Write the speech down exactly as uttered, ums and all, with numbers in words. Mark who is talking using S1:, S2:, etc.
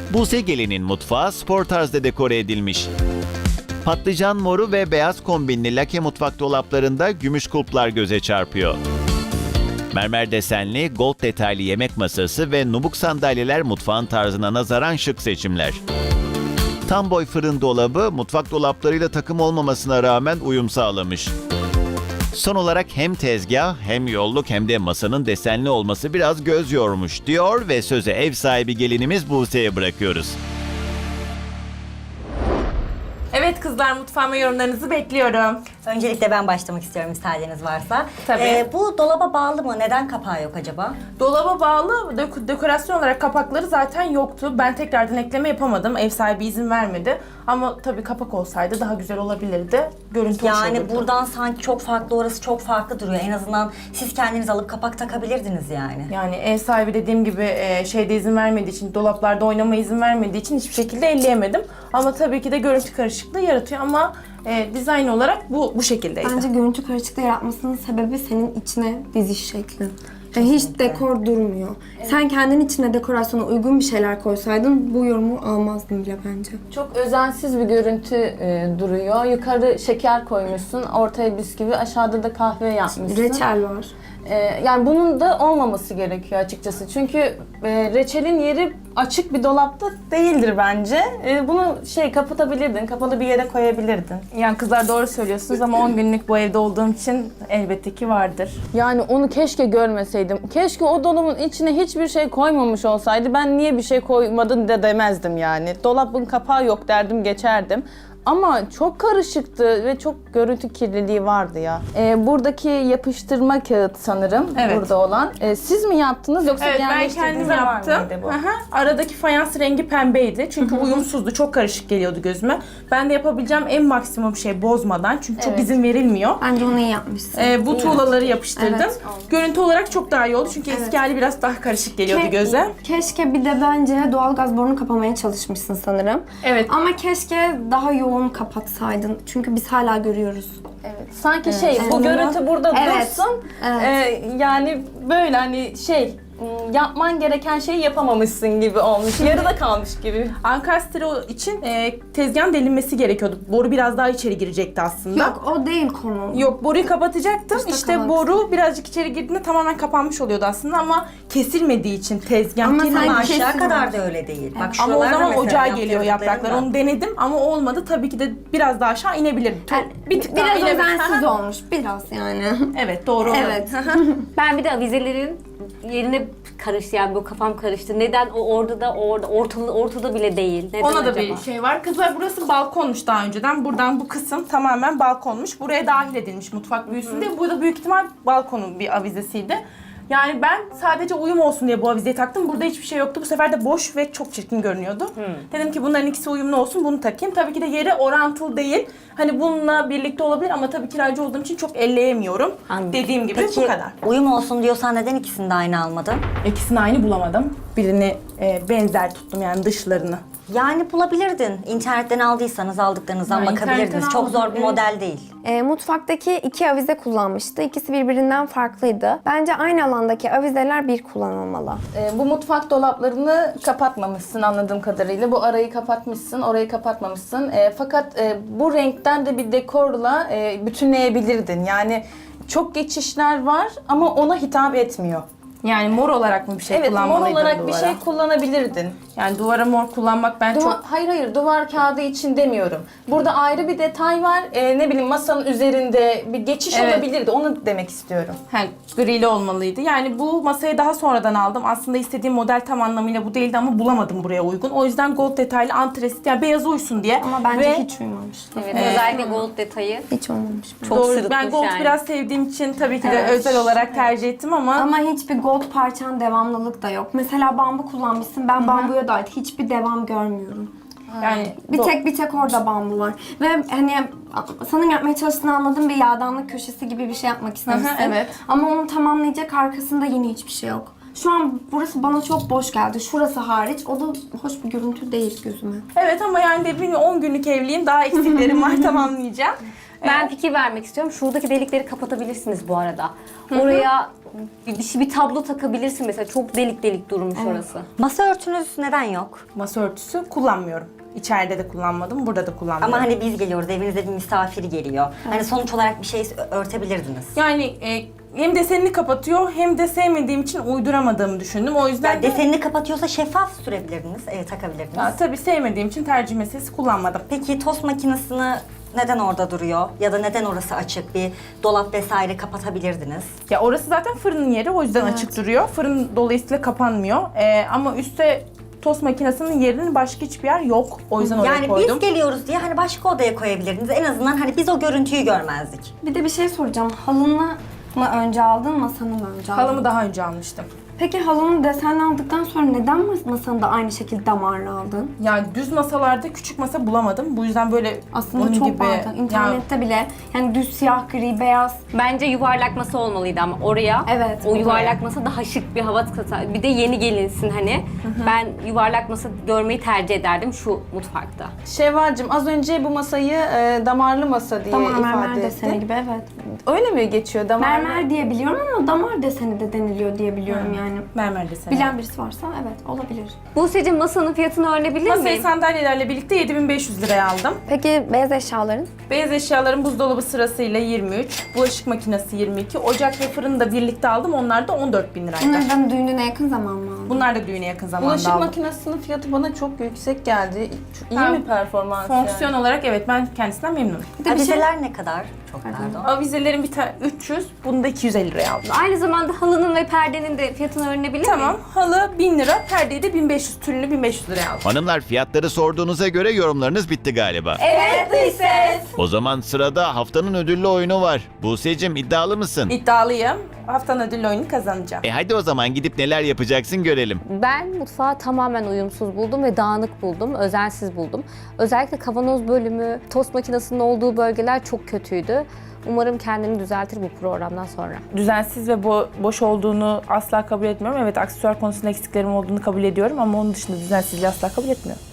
S1: Buse Gelin'in mutfağı spor tarzda dekore edilmiş. Patlıcan moru ve beyaz kombinli lake mutfak dolaplarında gümüş kulplar göze çarpıyor. Mermer desenli, gold detaylı yemek masası ve nubuk sandalyeler mutfağın tarzına nazaran şık seçimler. Tam boy fırın dolabı mutfak dolaplarıyla takım olmamasına rağmen uyum sağlamış. Son olarak hem tezgah hem yolluk hem de masanın desenli olması biraz göz yormuş diyor ve sözü ev sahibi gelinimiz Buse'ye bırakıyoruz.
S2: Evet kızlar, mutfağıma yorumlarınızı bekliyorum.
S3: Öncelikle ben başlamak istiyorum müsaadeniz varsa.
S2: Tabii.
S3: Ee, bu dolaba bağlı mı? Neden kapağı yok acaba?
S2: Dolaba bağlı dök- dekorasyon olarak kapakları zaten yoktu. Ben tekrardan ekleme yapamadım. Ev sahibi izin vermedi. Ama tabii kapak olsaydı daha güzel olabilirdi. Görüntü hoş
S3: Yani
S2: olurdu.
S3: buradan sanki çok farklı, orası çok farklı duruyor. En azından siz kendiniz alıp kapak takabilirdiniz yani.
S2: Yani ev sahibi dediğim gibi e, şeyde izin vermediği için, dolaplarda oynama izin vermediği için hiçbir şekilde elleyemedim. Ama tabii ki de görüntü karışıklığı yaratıyor ama e, dizayn olarak bu bu şekildeydi.
S4: Bence görüntü karışıklığı yaratmasının sebebi senin içine diziş şeklin. Yani hiç dekor durmuyor. Sen kendin içine dekorasyona uygun bir şeyler koysaydın bu yorumu almazdın bile bence.
S5: Çok özensiz bir görüntü e, duruyor. Yukarı şeker koymuşsun, ortaya bisküvi, aşağıda da kahve yapmışsın.
S4: Reçel var.
S5: E, yani bunun da olmaması gerekiyor açıkçası. Çünkü e, reçelin yeri açık bir dolapta değildir bence. E, bunu şey kapatabilirdin, kapalı bir yere koyabilirdin.
S2: Yani kızlar doğru söylüyorsunuz ama on günlük bu evde olduğum için elbette ki vardır.
S5: Yani onu keşke görmeseydim. Keşke o dolabın içine hiçbir şey koymamış olsaydı. Ben niye bir şey koymadın da demezdim yani. Dolabın kapağı yok derdim, geçerdim. Ama çok karışıktı ve çok görüntü kirliliği vardı ya. Ee, buradaki yapıştırma kağıt sanırım
S2: Evet.
S5: burada olan. Ee, siz mi yaptınız yoksa
S2: Evet, ben
S5: yerleştirdiğinizde
S2: kendim
S5: var
S2: yaptım.
S5: mıydı bu?
S2: Hı hı. Aradaki fayans rengi pembeydi. Çünkü uyumsuzdu. Çok karışık geliyordu gözüme. Ben de yapabileceğim en maksimum şey bozmadan. Çünkü çok
S5: Evet.
S2: izin verilmiyor.
S4: Bence onu iyi yapmışsın.
S2: Ee, bu tuğlaları yapıştırdım.
S4: Evet.
S2: Görüntü olarak çok daha iyi oldu. Çünkü eski hali biraz daha karışık geliyordu
S4: Ke-
S2: göze.
S4: Keşke bir de bence doğalgaz borunu kapamaya çalışmışsın sanırım.
S2: Evet.
S4: Ama keşke daha yoğun kapatsaydın. Çünkü biz hala görüyoruz.
S5: Evet. Sanki şey bu
S4: Evet.
S5: görüntü burada
S4: Evet.
S5: dursun.
S4: Evet.
S5: Ee, yani böyle hani şey ım, yapman gereken şeyi yapamamışsın gibi olmuş. Yarıda kalmış gibi.
S2: Ankastre için e, tezgahın delinmesi gerekiyordu. Boru biraz daha içeri girecekti aslında.
S4: Yok o değil konu.
S2: Yok, boruyu kapatacaktım.
S4: İşte
S2: İşte
S4: kapatsın.
S2: boru birazcık içeri girdiğinde tamamen kapanmış oluyordu aslında ama kesilmediği için tezgah
S4: Ama
S2: girmedi.
S4: sen
S3: Ama
S4: kesin
S3: aşağı kadar
S4: var.
S3: da öyle değil. Bak
S2: Ama o
S3: şuralarda
S2: zaman
S3: mesela
S2: ocağa geliyor
S3: yaptırdıklarım
S2: yapraklar.
S3: var.
S2: Onu denedim ama olmadı. Tabii ki de biraz daha aşağı inebilirdim.
S4: Yani
S2: bir tık daha
S4: biraz
S2: inebilirdim.
S4: özensiz olmuş. Biraz yani.
S2: Evet, doğru.
S4: Evet.
S6: Ben bir de avizelerin yerine karıştı, yani bu kafam karıştı. Neden o orada da orada ortada ortada bile değil? Neden
S2: Ona da
S6: acaba?
S2: bir şey var. Kızlar, burası balkonmuş daha önceden. Buradan bu kısım tamamen balkonmuş. Buraya dahil edilmiş mutfak büyüsün diye. Bu da büyük ihtimal balkonun bir avizesiydi. Yani ben sadece uyum olsun diye bu avizeyi taktım. Burada hiçbir şey yoktu. Bu sefer de boş ve çok çirkin görünüyordu. Dedim ki bunların ikisi uyumlu olsun, bunu takayım. Tabii ki de yeri orantılı değil. Hani bununla birlikte olabilir ama tabii kiracı olduğum için çok elleyemiyorum.
S3: Anladım.
S2: Dediğim gibi
S3: Peki,
S2: bu kadar.
S3: uyum olsun diyorsan neden ikisini de aynı almadın?
S2: İkisini aynı bulamadım. Birini e, benzer tuttum, yani dışlarını.
S3: Yani bulabilirdin. İnternetten aldıysanız aldıklarınızdan
S2: Ya,
S3: bakabilirdiniz.
S2: internetten
S3: Çok zor
S2: aldım,
S3: bir
S2: evet.
S3: model değil.
S4: E, mutfaktaki iki avize kullanmıştı. İkisi birbirinden farklıydı. Bence aynı alandaki avizeler bir kullanılmalı.
S5: Ee, bu mutfak dolaplarını kapatmamışsın anladığım kadarıyla. Bu arayı kapatmışsın, orayı kapatmamışsın. Ee, fakat e, bu renkten de bir dekorla e, bütünleyebilirdin. Yani çok geçişler var ama ona hitap etmiyor.
S2: Yani mor olarak mı bir şey
S5: Evet, mor
S2: kullanmalıydım
S5: olarak bir
S2: duvara?
S5: şey kullanabilirdin.
S2: Yani duvara mor kullanmak ben
S5: Duva-
S2: çok...
S5: Hayır hayır, duvar kağıdı için demiyorum. Burada ayrı bir detay var. Ee, ne bileyim masanın üzerinde bir geçiş
S2: Evet.
S5: olabilirdi. Onu demek istiyorum.
S2: He, grili olmalıydı. Yani bu masayı daha sonradan aldım. Aslında istediğim model tam anlamıyla bu değildi ama bulamadım buraya uygun. O yüzden gold detaylı antresit, yani beyaz uysun diye.
S4: Ama bence
S2: Ve
S4: hiç uymamış.
S6: Evet, özellikle gold detayı.
S4: Hiç olmamış.
S6: Çok
S2: doğru,
S6: sırıtmış
S2: ben gold
S6: yani.
S2: biraz sevdiğim için tabii ki de
S4: Evet.
S2: özel olarak tercih ettim ama,
S4: Ama hiçbir gold parçan devamlılık da yok. Mesela bambu kullanmışsın. Ben bambuya dair hiçbir devam görmüyorum.
S2: yani
S4: Bir
S2: do-
S4: tek bir tek orada bambu var. Ve hani sanırım yapmaya çalıştığını anladığım bir yağdanlık köşesi gibi bir şey yapmak istemişsin.
S2: evet.
S4: Ama onu tamamlayacak arkasında yine hiçbir şey yok. Şu an burası bana çok boş geldi. Şurası hariç. O da hoş bir görüntü değil gözüme.
S2: Evet ama yani dediğim gibi on günlük evliyim. Daha eksiklerim var, tamamlayacağım.
S6: Ben fikir vermek istiyorum. Şuradaki delikleri kapatabilirsiniz bu arada. Oraya bir, bir, bir tablo takabilirsin mesela. Çok delik delik durmuş orası.
S3: Masa örtünüz neden yok?
S2: Masa örtüsü kullanmıyorum. İçeride de kullanmadım, burada da kullanmıyorum.
S3: Ama hani biz geliyoruz, evinize bir misafir geliyor. Hani sonuç olarak bir şey örtebilirdiniz.
S2: Yani e, hem desenini kapatıyor hem de sevmediğim için uyduramadığımı düşündüm. O yüzden
S3: Yani
S2: de
S3: desenini kapatıyorsa şeffaf sürebilirdiniz, e, takabilirdiniz.
S2: ya, tabii sevmediğim için tercih meselesi kullanmadım.
S3: Peki tost makinesini neden orada duruyor? Ya da neden orası açık? Bir dolap vesaire kapatabilirdiniz.
S2: Ya orası zaten fırının yeri, o yüzden açık duruyor. Fırın dolayısıyla kapanmıyor. E, ama üstte tost makinesinin yerinin başka hiçbir yer yok. O yüzden oraya
S3: Yani
S2: koydum.
S3: biz geliyoruz diye hani başka odaya koyabilirdiniz. En azından hani biz o görüntüyü görmezdik.
S4: Bir de bir şey soracağım. Halını mı önce aldın, masanı mı önce aldın?
S2: Halımı daha önce almıştım.
S4: Peki halını desenli aldıktan sonra neden mas- masanı da aynı şekilde damarlı aldın?
S2: Yani düz masalarda küçük masa bulamadım. Bu yüzden böyle
S4: Aslında
S2: onun
S4: çok
S2: gibi,
S4: vardı. İnternette bile yani düz siyah, gri, beyaz.
S6: Bence yuvarlak masa olmalıydı ama oraya.
S4: Evet,
S6: O
S4: oraya.
S6: yuvarlak masa daha şık bir hava katar. Bir de yeni gelinsin hani. Ben yuvarlak masa görmeyi tercih ederdim şu mutfakta.
S5: Şevval'cim az önce bu masayı e, damarlı masa diye
S4: Damar
S5: ifade
S4: mermer
S5: etti.
S4: deseni gibi, evet.
S5: Öyle mi geçiyor damarlı?
S4: Mermer diye biliyorum ama damar deseni de deniliyor diye biliyorum yani.
S2: mermer deseni.
S4: Bilen birisi varsa evet olabilir.
S6: Buse'cim masanın fiyatını öğrenebilir
S2: Masayı
S6: miyim?
S2: sandalyelerle birlikte yedi bin beş yüz liraya aldım.
S4: Peki beyaz eşyaların?
S2: Beyaz eşyaların buzdolabı sırasıyla yirmi üç, bulaşık makinesi yirmi iki, ocak ve fırını da birlikte aldım. Onlar da on dört bin liraydı.
S4: Bunlardan düğününe yakın zaman mı aldın?
S2: Bunlar da düğüne yakın zamanda
S5: Bulaşık
S2: aldım.
S5: makinesinin fiyatı bana çok yüksek geldi. Çok iyi
S2: Ha,
S5: mi performans
S2: Fonksiyon
S5: yani?
S2: olarak evet, ben kendisinden memnunum.
S4: Bir de bir şey...
S3: Avizeler ne kadar? Çok pardon.
S2: Avizelerin bir tane üç yüz, bunu da iki yüz elli liraya aldım.
S6: Aynı zamanda halının ve perdenin de fiyatını öğrenebilir
S2: Tamam,
S6: miyim?
S2: halı bin lira, perdeyi de bin beş yüz, tülünü bin beş yüz liraya aldım.
S1: Hanımlar, fiyatları sorduğunuza göre yorumlarınız bitti galiba.
S2: Evet, ses.
S1: O zaman sırada haftanın ödüllü oyunu var. Buse'cim, iddialı mısın?
S2: İddialıyım. Haftanın ödüllü oyunu kazanacağım.
S1: E hadi o zaman gidip neler yapacaksın görelim.
S6: Ben mutfağı tamamen uyumsuz buldum ve dağınık buldum, özensiz buldum. Özellikle kavanoz bölümü, tost makinesinin olduğu bölgeler çok kötüydü. Umarım kendini düzeltir bu programdan sonra.
S2: Düzensiz ve bo- boş olduğunu asla kabul etmiyorum. Evet, aksesuar konusunda eksiklerim olduğunu kabul ediyorum ama onun dışında düzensizliği asla kabul etmiyorum.